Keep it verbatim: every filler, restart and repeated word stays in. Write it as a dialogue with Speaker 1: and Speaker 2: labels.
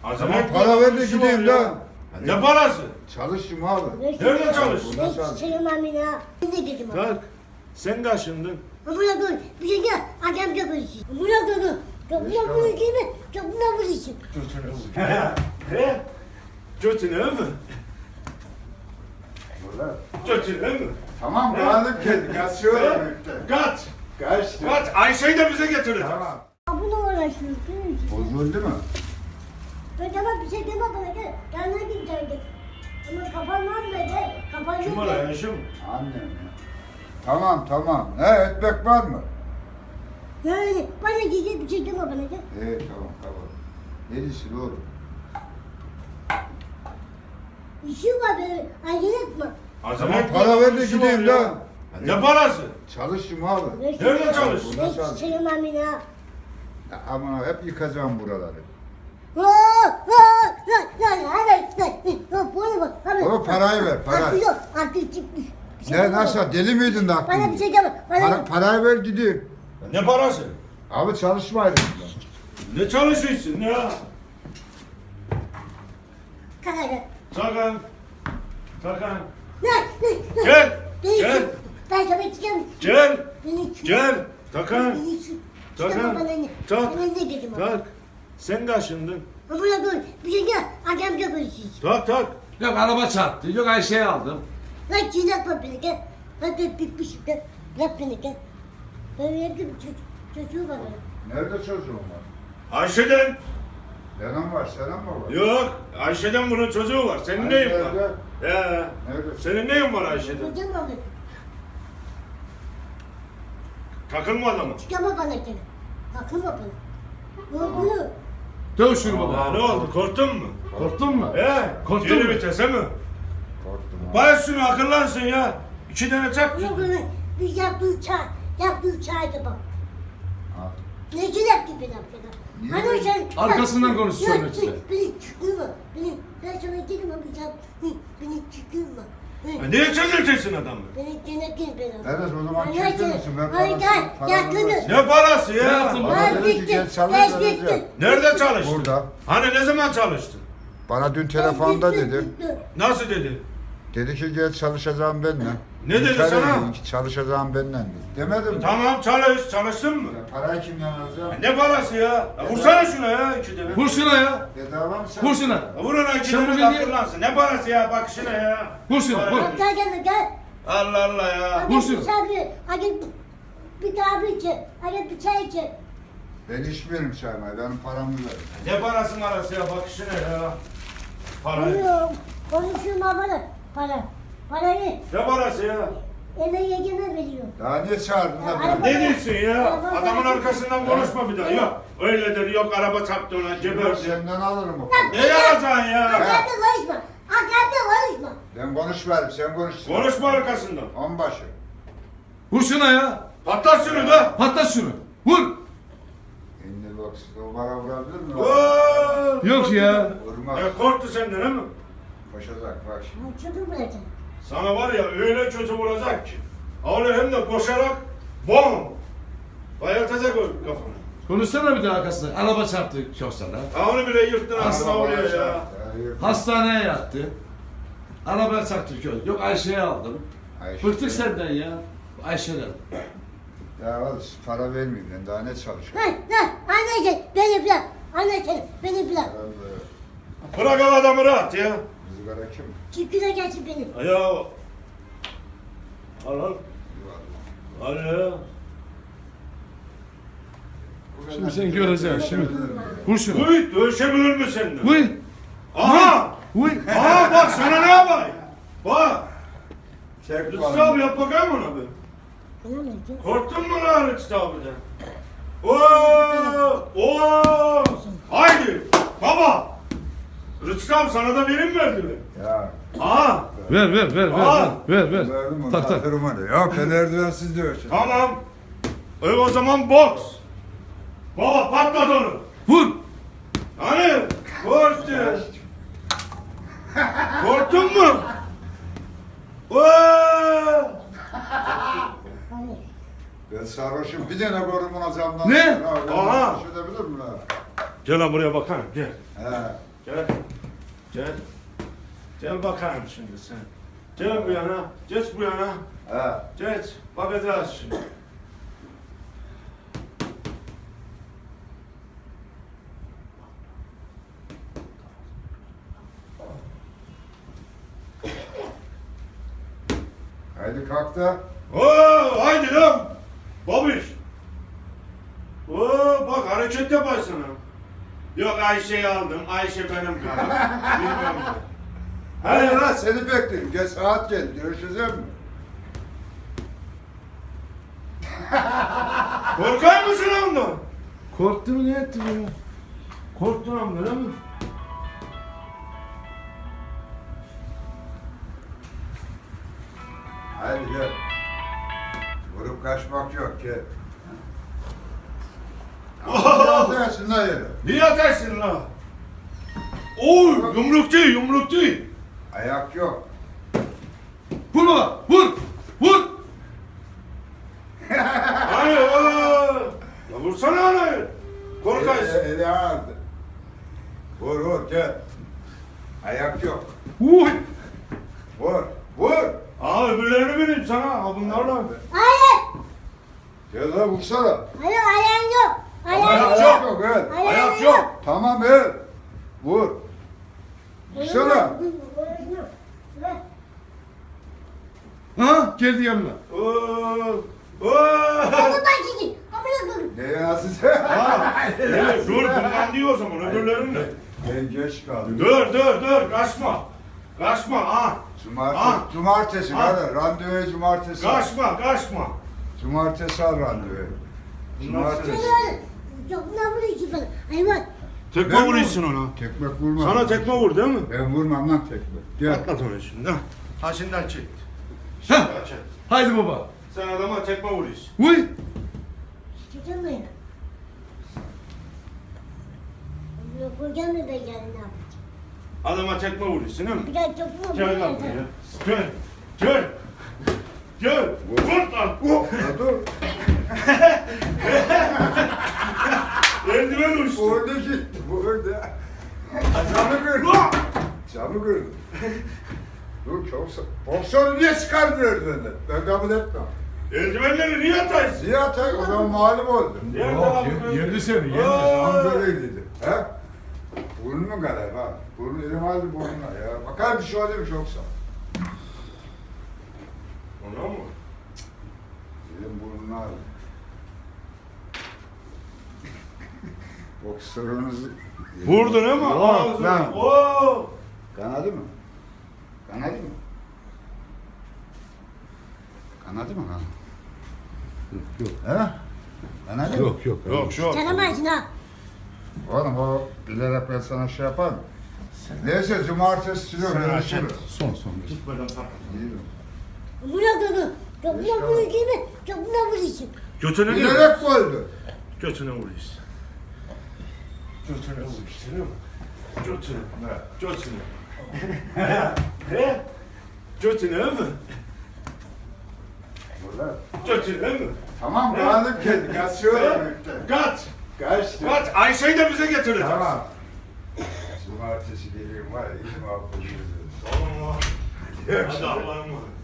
Speaker 1: Acele
Speaker 2: Tamam,
Speaker 1: etme,
Speaker 2: para ver de
Speaker 1: işim
Speaker 2: gideyim
Speaker 1: var ya.
Speaker 2: lan.
Speaker 1: Ne parası?
Speaker 2: Çalışayım abi.
Speaker 1: Nerede çalıştın?
Speaker 2: Burada
Speaker 3: Ben sevmem ya. Ne dedim abi?
Speaker 1: Kalk. Sen kaşındın.
Speaker 3: Amına koy. Bir şey gel. Adam çok konuşuyor. Amına koy. Çok buna konuşuyor mu? Çok buna konuşuyor.
Speaker 1: He? Götüne mi?
Speaker 2: Burada.
Speaker 1: Götüne mi?
Speaker 2: Tamam geldim geldim. Kaçıyorum.
Speaker 1: Kaç.
Speaker 2: Kaçtı.
Speaker 1: Kaç. Ayşe'yi de bize getirin.
Speaker 2: Tamam.
Speaker 3: Abuna uğraşıyor.
Speaker 2: Bozuldu mu?
Speaker 3: Ben tamam bir şey deme bana gel. Yanına gidecektik. Ama kapanmaz mı gel? Kapanacak.
Speaker 1: Kim var Ayşe mi?
Speaker 2: Annem ya. Tamam tamam. He ekmek var mı?
Speaker 3: Yani bana gidecek bir şey deme bana gel.
Speaker 2: He tamam tamam. Neresi oğlum?
Speaker 3: İşim var böyle. Acele etme.
Speaker 1: Acele
Speaker 2: Tamam
Speaker 1: etme,
Speaker 2: para ver de
Speaker 1: işim
Speaker 2: gideyim
Speaker 1: var ya.
Speaker 2: lan.
Speaker 1: Ne parası?
Speaker 2: Çalışayım abi.
Speaker 1: Nerede çalıştın?
Speaker 3: Ben hiç sevmem ya.
Speaker 2: Ya aman hep yıkacağım buraları.
Speaker 3: Aa, aa, lan, lan, lan, lan, lan, bana bak, bana
Speaker 2: Baba
Speaker 3: bak.
Speaker 2: parayı ver, para.
Speaker 3: Aklı yok, aklı çıkmış. Bir şey
Speaker 2: Ne
Speaker 3: deme
Speaker 2: nasıl?
Speaker 3: bana.
Speaker 2: Deli miydin de aklın?
Speaker 3: Bana bir şey deme, bana
Speaker 2: Para, parayı ver gideyim.
Speaker 1: Ne parası?
Speaker 2: Abi çalışmaydım.
Speaker 1: Ne çalışıyorsun ya?
Speaker 3: Kadar gel.
Speaker 1: Tarkan. Tarkan.
Speaker 3: Lan, lan, lan.
Speaker 1: Gel.
Speaker 3: Beni
Speaker 1: Gel.
Speaker 3: çık. Ben sana çıkarım.
Speaker 1: Gel.
Speaker 3: Beni çık.
Speaker 1: Gel. Tarkan.
Speaker 3: Beni çık.
Speaker 1: Tarkan.
Speaker 3: Çıkarma bana ne?
Speaker 1: Tak.
Speaker 3: Bana ne dedim abi?
Speaker 1: Tak. Sen kaşındın.
Speaker 3: Amına koy, bir şey gel. Adam çok konuşuyor.
Speaker 1: Tak tak.
Speaker 4: Yok araba çarptı. Yok Ayşe'yi aldım.
Speaker 3: Lan çiğnetme beni gel. Lan ben bitmişim gel. Bırak beni gel. Ben evde bir çocuk, çocuğu var benim.
Speaker 2: Nerede çocuğum var?
Speaker 1: Ayşe'den.
Speaker 2: Senin var, senin mi var?
Speaker 1: Yok. Ayşe'den bunun çocuğu var. Senin
Speaker 2: Hani
Speaker 1: neyin var?
Speaker 2: nerede?
Speaker 1: He.
Speaker 2: Nerede?
Speaker 1: Senin neyin var Ayşe'den?
Speaker 3: Çocuğum var benim.
Speaker 1: Takılma adamı.
Speaker 3: Çıkarma bana gel. Takılma bana. Ne oldu?
Speaker 4: Döv şunu
Speaker 1: Aa,
Speaker 4: baba.
Speaker 1: ne oldu? Korktun mu?
Speaker 4: Korktun mu?
Speaker 1: He.
Speaker 4: Korktun
Speaker 1: Geri
Speaker 4: mu?
Speaker 1: vitese mi?
Speaker 2: Korktum abi.
Speaker 1: Bari şunu akıllansın ya. İki tane çak.
Speaker 3: Yok öyle bir yaptığı çay, yaptığı çayda bak.
Speaker 2: Al.
Speaker 3: Ne güzel gibi yaptılar.
Speaker 2: Niye?
Speaker 3: Hani o şey...
Speaker 4: Arkasından konuşuyorsun
Speaker 3: Ya,
Speaker 4: işte.
Speaker 3: Beni çıkırma. Beni, ben sana dedim ama sen... hı, Beni çıkırma.
Speaker 1: Ha, Niye çözeceksin adamı?
Speaker 3: Beni gene gel beni.
Speaker 2: Evet o zaman
Speaker 3: Ay,
Speaker 2: çektin
Speaker 3: ay,
Speaker 2: misin? Ben
Speaker 3: ay,
Speaker 2: parasını-
Speaker 3: gel,
Speaker 2: paramı
Speaker 3: gel,
Speaker 2: vereceğim.
Speaker 1: Ne parası
Speaker 4: Ne
Speaker 1: ya?
Speaker 4: yaptın baba?
Speaker 3: Ben
Speaker 2: Bana dedi ki,
Speaker 3: bittim,
Speaker 2: gel çalış
Speaker 3: ben
Speaker 2: vereceğim.
Speaker 3: bittim.
Speaker 1: Nerede çalıştın?
Speaker 2: Burada.
Speaker 1: Hani ne zaman çalıştın?
Speaker 2: Bana dün telefonda
Speaker 3: Ben bittim,
Speaker 2: dedi.
Speaker 3: bittim.
Speaker 1: Nasıl dedi?
Speaker 2: Dedi ki gel çalışacağım benimle.
Speaker 1: Ne dedi
Speaker 2: İnkar
Speaker 1: sana?
Speaker 2: ediyor ki çalışacağım benimle dedi. Demedim mi?
Speaker 1: Tamam çalış. Çalıştın mı?
Speaker 2: Ya Parayı kimden alacağım?
Speaker 1: Ne parası ya? ya vursana şuna ya iki tane.
Speaker 4: Vur şuna ya.
Speaker 2: Bedava mı sen?
Speaker 4: Vur şuna.
Speaker 1: Ya Vur ona iki
Speaker 4: Sen
Speaker 1: tane
Speaker 4: bugün niye-
Speaker 1: akıllansın. Ne parası ya? Bak şuna ya.
Speaker 4: Vur şuna, vur.
Speaker 3: Bak gel gel gel.
Speaker 1: Allah Allah ya.
Speaker 3: Hadi
Speaker 4: Vursun.
Speaker 3: bir çay, hadi bir kahve içe, hadi bir çay içe.
Speaker 2: Ben içmiyorum çaymayı. Benim paramı ver.
Speaker 1: Ne parası marası ya? Bak şuna ya. Para.
Speaker 3: Konuşuyorum, konuşuyorum bana. Para, parayı
Speaker 1: Ne parası ya?
Speaker 3: eve yegeme veriyor.
Speaker 2: Daha niye çağırdın da
Speaker 3: Araba-
Speaker 2: beni?
Speaker 1: Ne diyorsun ya?
Speaker 3: Araba-
Speaker 1: Adamın arkasından konuşma bir daha. Yok. Öyledir. Yok araba çarptı ona.
Speaker 2: Ben
Speaker 1: Geberdi.
Speaker 2: senden alırım o
Speaker 3: Lan,
Speaker 2: parayı.
Speaker 1: Ne yapacaksın ya?
Speaker 3: Hakikaten konuşma, hakikaten konuşma.
Speaker 2: Ben konuşmayayım, sen konuşsun.
Speaker 1: Konuşma arkasından.
Speaker 2: Onbaşı.
Speaker 4: Vur şuna ya.
Speaker 1: Patlat şunu da.
Speaker 4: Patlat şunu. Vur.
Speaker 2: Şimdi bak, o bana vurabilir mi?
Speaker 1: Oo,
Speaker 4: Yok ya.
Speaker 2: Vurmaz.
Speaker 1: Ya korktu senden değil mi?
Speaker 2: Koşacak bak şimdi.
Speaker 3: Bu çocuğu bırakın.
Speaker 1: Sana var ya öyle kötü vuracak ki. Öyle hem de koşarak bom. Bayıltacak o kafanı.
Speaker 4: Konuşsana bir daha arkasına. Araba çarptı çok sana.
Speaker 1: Ha onu bile yırttın aslında
Speaker 2: Araba
Speaker 1: oraya
Speaker 2: bana
Speaker 1: ya.
Speaker 2: çarptı, yürü.
Speaker 4: Hastaneye yattı. Araba çarptı köy. Yok Ayşe'yi aldım.
Speaker 2: Ayşe.
Speaker 4: Bıktık senden ya. Ayşe'den.
Speaker 2: Ya al, para vermeyeyim ben, daha ne çalışıyorum?
Speaker 3: Lan lan, anneciğim beni bırak, anneciğim beni bırak.
Speaker 2: Herhalde
Speaker 1: Bırak o adamı rahat ya.
Speaker 2: rızgara kim?
Speaker 3: Çıkına gelsin benim.
Speaker 1: Ya. Al al. Al ya.
Speaker 4: Şimdi sen göreceksin şimdi. Vur şunu.
Speaker 1: Uy dövüşebilir mi seninle?
Speaker 4: Vur.
Speaker 1: Aha.
Speaker 4: Vur.
Speaker 1: Aha bak sana ne yapayım? Bak.
Speaker 2: Çek
Speaker 1: Rıçtı abi yap bakayım ona bir.
Speaker 3: Bana ne diyor?
Speaker 1: Korktun mu lan Rıçtı abiden? Oo! Oo! Haydi! Baba! Rıçtı abi sana da verim verdi mi?
Speaker 2: Ya.
Speaker 1: Aha!
Speaker 4: Ver ver ver ver
Speaker 1: Aa.
Speaker 4: ver ver.
Speaker 2: Verdim onu,
Speaker 4: Tak tak.
Speaker 2: takırım onu. Ya ben erdoğansız dövüşüm.
Speaker 1: Tamam. E o zaman boks. Baba patlat onu.
Speaker 4: Vur.
Speaker 1: Hani? Korktu. Korktun mu? Oo!
Speaker 3: Hani?
Speaker 2: Ben sarhoşum, bir tane korumun camdan.
Speaker 4: Ne?
Speaker 2: Ya, ben
Speaker 1: Aha.
Speaker 2: sarhoş edebilir mi lan?
Speaker 1: Gel lan buraya bak ha gel.
Speaker 2: He.
Speaker 1: Gel. Gel. Gel bakayım şimdi sen. Gel bu yana. Geç bu yana.
Speaker 2: He.
Speaker 1: Geç. Bakacağız şimdi.
Speaker 2: Haydi kalk da.
Speaker 1: Oo, haydi lan. Babiş. Oo, bak hareket yaparsın. Yok Ayşe'yi aldım. Ayşe benim karım. Bilmem ne.
Speaker 2: Haydi lan seni bekliyorum. Geç saat gel. Görüşeceğim mi?
Speaker 1: Korkar mısın ondan?
Speaker 4: Korktum ne ettim ya?
Speaker 1: Korktun amına değil mi?
Speaker 2: Haydi gel. Vurup kaçmak yok gel. Atarsın lan yere.
Speaker 1: Niye atarsın lan? Oy, yumruk değil, yumruk değil.
Speaker 2: Ayak yok.
Speaker 4: Vur baba, vur! Vur!
Speaker 1: Hayır, aa. Ya vursana anayı. Korkarsın.
Speaker 2: Eli, eli ağırdı. Vur vur gel. Ayak yok.
Speaker 4: Uy!
Speaker 2: Vur. Vur.
Speaker 1: Aa öbürlerini vereyim sana. Ha bunlarla.
Speaker 3: Hayır.
Speaker 2: Gel lan vursana.
Speaker 3: Hayır ayağın yok. Ayağın
Speaker 1: Ayak
Speaker 3: yok.
Speaker 1: yok.
Speaker 2: Gel.
Speaker 3: Ayağın
Speaker 1: Ayak yok.
Speaker 2: Tamam gel. Vur. Vursana.
Speaker 4: Ha? Geldi yanına.
Speaker 1: Oo. Oo.
Speaker 3: Onu ben çekeyim. Amına koyayım.
Speaker 2: Neye nasıl?
Speaker 1: Ha, evet, dur bundan diyor o zaman öbürlerini de.
Speaker 2: Ben geç kaldım.
Speaker 1: Dur dur dur kaçma. Kaçma ha.
Speaker 2: Cumartesi,
Speaker 1: Ha.
Speaker 2: cumartesi
Speaker 1: Ha.
Speaker 2: hadi randevuya cumartesi. al.
Speaker 1: Kaçma kaçma.
Speaker 2: Cumartesi al randevuyu. Cumartesi.
Speaker 3: Çok ne vuruyorsun bana? Hayvan.
Speaker 1: Tekme
Speaker 2: Ben
Speaker 1: vuruyorsun ona.
Speaker 2: Tekmek vurma.
Speaker 1: Sana tekme vur değil mi?
Speaker 2: Ben vurmam lan tekmek. Gel.
Speaker 1: Atlat onu şimdi. Ha şimdiden çek.
Speaker 4: Ha!
Speaker 1: Şimdiden çek.
Speaker 4: Haydi baba.
Speaker 1: Sen adama tekme vuruyorsun.
Speaker 4: Uy!
Speaker 3: Çekeceğim mi? Amına koyacağım mı ben yani ne yapacağım?
Speaker 1: Adama tekme vuruyorsun değil mi?
Speaker 3: Bir daha çok mu
Speaker 1: Gel lan buraya. Gel. Gel. Gel. Vur lan.
Speaker 2: Oh, ya dur.
Speaker 1: Eldiven uçtu.
Speaker 2: Orada gitti. Burada. Camı kırdı.
Speaker 1: Ulan!
Speaker 2: Camı kırdı. Dur çok sa... Boksörü niye çıkardın elinden? Ben kabul etmem.
Speaker 1: Eldivenleri niye atarsın?
Speaker 2: Ziya tak o zaman mağlup oldu.
Speaker 1: Nerede
Speaker 4: Yok,
Speaker 1: lan bu?
Speaker 4: ye- yedi seni, yedi.
Speaker 1: Aa!
Speaker 2: Tam böyleydi. He? Burnun kadar bak. Burun elim aldı burnuna ya. Bakar bir şey oluyormuş yoksa.
Speaker 1: Ona mı?
Speaker 2: Elim burnuna aldı. Boksörünüzü...
Speaker 1: Vurdun ama
Speaker 2: Yok
Speaker 1: ağzına.
Speaker 2: lan.
Speaker 1: Oo!
Speaker 2: Kanadı mı? Kanadı mı? Kanadı mı lan?
Speaker 4: Yok.
Speaker 2: He? Kanadı mı?
Speaker 4: Yok yok.
Speaker 1: Yok şu.
Speaker 3: Tanımazsın ha.
Speaker 2: Oğlum o bilerek ben sana şey yapar mı? Neyse cumartesi günü
Speaker 1: Sen
Speaker 2: görüşürüz.
Speaker 1: açın.
Speaker 4: Son son.
Speaker 1: Gitmeden patlat.
Speaker 3: Amına koyayım. Çok ne vuruyorsun? Çok ne vuruyorsun?
Speaker 1: Götüne değil mi?
Speaker 2: Bilerek koydu.
Speaker 1: Götüne vuruyorsun. Götüne vuruyorsun değil mi? Götüne. Götüne. He? Götüne mi?
Speaker 2: Burada.
Speaker 1: Götüne mi?
Speaker 2: Tamam kanım kendi. Kaçıyorum.
Speaker 1: Kaç.
Speaker 2: Kaçtı.
Speaker 1: Kaç. Ayşe'yi de bize getireceğiz.
Speaker 2: Tamam. Cumartesi geleyim var ya. İyi muhabbet ediyoruz.
Speaker 1: Tamam. Hadi Allah'ım.